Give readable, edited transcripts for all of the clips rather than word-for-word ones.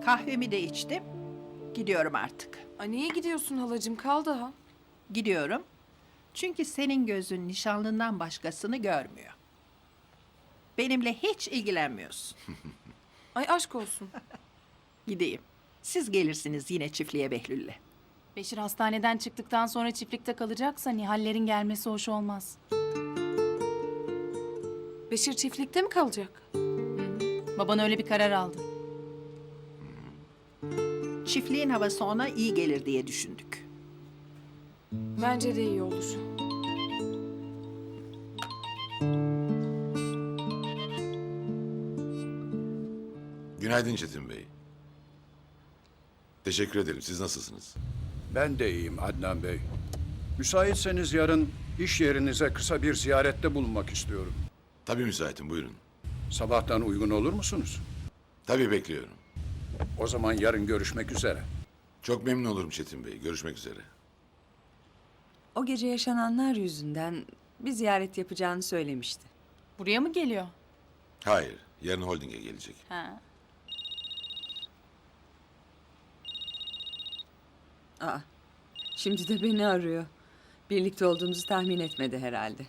Kahvemi de içtim. Gidiyorum artık. Ay niye gidiyorsun halacığım? Kal daha. Gidiyorum. Çünkü senin gözün nişanlından başkasını görmüyor. Benimle hiç ilgilenmiyorsun. Ay aşk olsun. Gideyim. Siz gelirsiniz yine çiftliğe Behlül'le. Beşir hastaneden çıktıktan sonra çiftlikte kalacaksa Nihal'lerin gelmesi hoş olmaz. Beşir çiftlikte mi kalacak? Baban öyle bir karar aldı. Çiftliğin havası ona iyi gelir diye düşündük. Bence de iyi olur. Günaydın Çetin Bey. Teşekkür ederim. Siz nasılsınız? Ben de iyiyim Adnan Bey. Müsaitseniz yarın iş yerinize kısa bir ziyarette bulunmak istiyorum. Tabii müsaitim. Buyurun. Sabahtan uygun olur musunuz? Tabii bekliyorum. O zaman yarın görüşmek üzere. Çok memnun olurum Çetin Bey. Görüşmek üzere. O gece yaşananlar yüzünden bir ziyaret yapacağını söylemişti. Buraya mı geliyor? Hayır. Yarın holdinge gelecek. Ha. Aa, şimdi de beni arıyor. Birlikte olduğumuzu tahmin etmedi herhalde.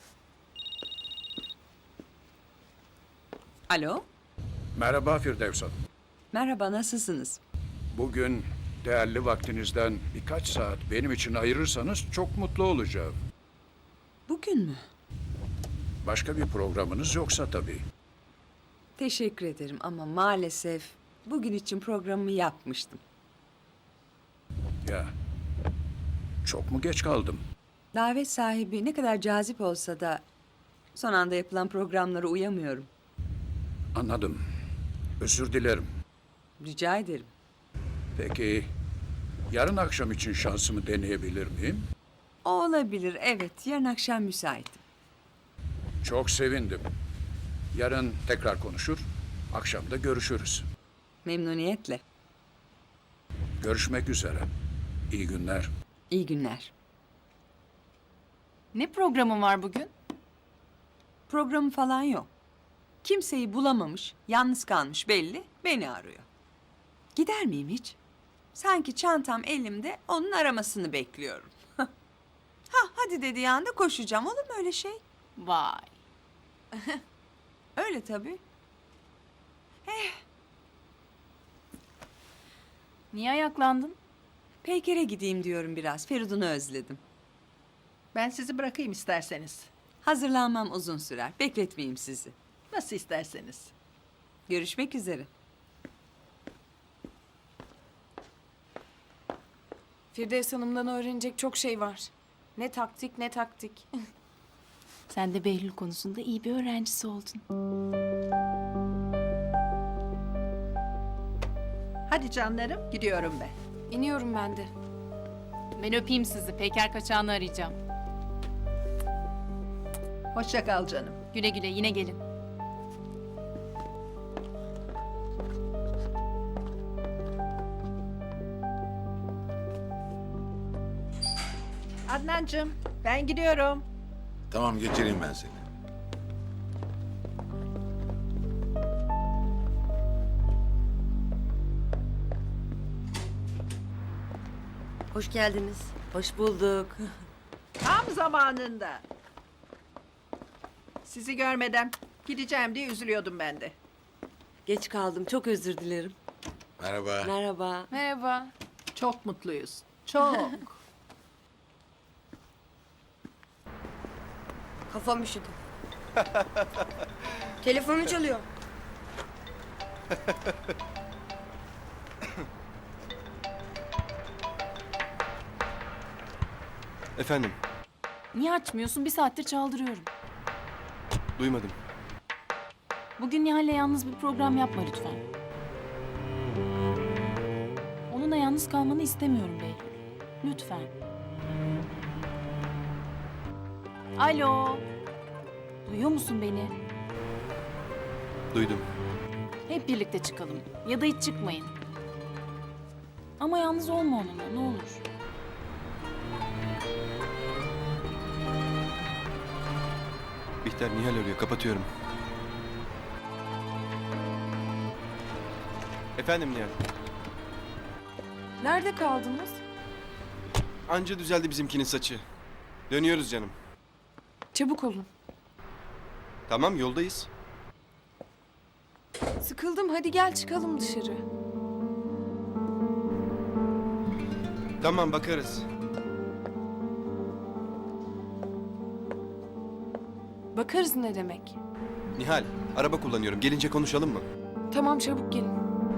Alo, Merhaba Firdevs Hanım. merhaba, nasılsınız? Bugün değerli vaktinizden birkaç saat benim için ayırırsanız çok mutlu olacağım. Bugün mü? Başka bir programınız yoksa tabii. Teşekkür ederim ama maalesef bugün için programımı yapmıştım. Ya, çok mu geç kaldım? Davet sahibi ne kadar cazip olsa da son anda yapılan programlara uyamıyorum. Anladım. Özür dilerim. Rica ederim. Peki, yarın akşam için şansımı deneyebilir miyim? O olabilir, evet. Yarın akşam müsaitim. Çok sevindim. Yarın tekrar konuşur, akşam da görüşürüz. Memnuniyetle. Görüşmek üzere. İyi günler. İyi günler. Ne programın var bugün? Programı falan yok. Kimseyi bulamamış, yalnız kalmış belli, beni arıyor. Gider miyim hiç? Sanki çantam elimde, onun aramasını bekliyorum. Hadi dediği anda koşacağım. Olur mu öyle şey? Vay. Öyle tabii. Niye ayaklandın? Peyker'e gideyim diyorum biraz. Feridun'u özledim. Ben sizi bırakayım isterseniz. Hazırlanmam uzun sürer. Bekletmeyeyim sizi. Nasıl isterseniz. Görüşmek üzere. Firdevs Hanım'dan öğrenecek çok şey var. Ne taktik ne taktik. Sen de Behlül konusunda iyi bir öğrencisi oldun. Hadi canlarım, gidiyorum ben. İniyorum ben de. Ben öpeyim sizi. Peyker kaçağını arayacağım. Hoşça kal canım. Güle güle yine gelin. Adnancığım, ben gidiyorum. Tamam geçireyim ben seni. Hoş geldiniz. Hoş bulduk. Tam zamanında. Sizi görmeden gideceğim diye üzülüyordum ben de. Geç kaldım. Çok özür dilerim. Merhaba. Merhaba. Merhaba. Çok mutluyuz. Çok. Kafam üşüdü. Telefonum çalıyor. Efendim, Niye açmıyorsun? Bir saattir çaldırıyorum. duymadım. Bugün Nihal'le yalnız bir program yapma lütfen. Onunla yalnız kalmanı istemiyorum Behlül. Lütfen. Alo. Duyuyor musun beni? Duydum. Hep birlikte çıkalım. Ya da hiç çıkmayın. Ama yalnız olma onunla ne olur. Bihter Nihal arıyor, kapatıyorum. Efendim Nihal. Nerede kaldınız? Anca düzeldi bizimkinin saçı. Dönüyoruz canım. Çabuk olun. Tamam yoldayız. Sıkıldım, hadi gel çıkalım dışarı. Tamam bakarız. Bakarız ne demek? Nihal, araba kullanıyorum. Gelince konuşalım mı? Tamam, çabuk gelin.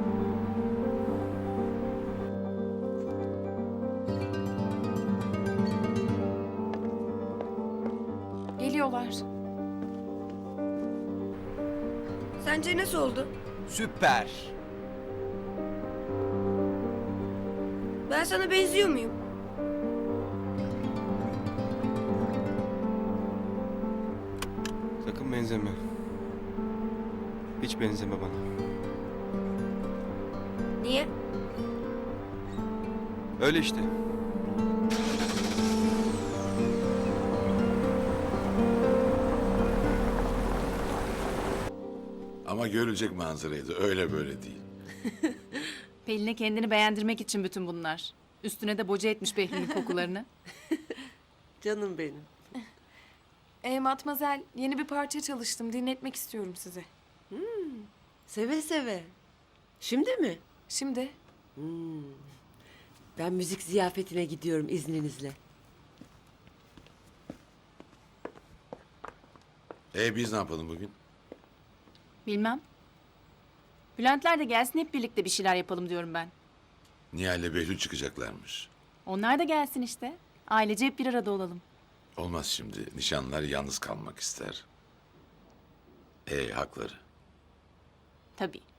Geliyorlar. Sence nasıl oldu? Süper. Ben sana benziyor muyum? Sakın benzeme. Hiç benzeme bana. Niye? Öyle işte. Ama görülecek manzaraydı. Öyle böyle değil. Pelin'e kendini beğendirmek için bütün bunlar. Üstüne de boca etmiş Behli'nin kokularını. Canım benim. Matmazel, yeni bir parça çalıştım. Dinletmek istiyorum size. Seve seve. Şimdi mi? Şimdi Ben müzik ziyafetine gidiyorum izninizle. Biz ne yapalım bugün? Bilmem. Bülentler de gelsin, hep birlikte bir şeyler yapalım diyorum ben. Nihal'le Behlül çıkacaklarmış. Onlar da gelsin işte. Ailece hep bir arada olalım. Olmaz şimdi. Nişanlılar yalnız kalmak ister. Hakları. Tabii.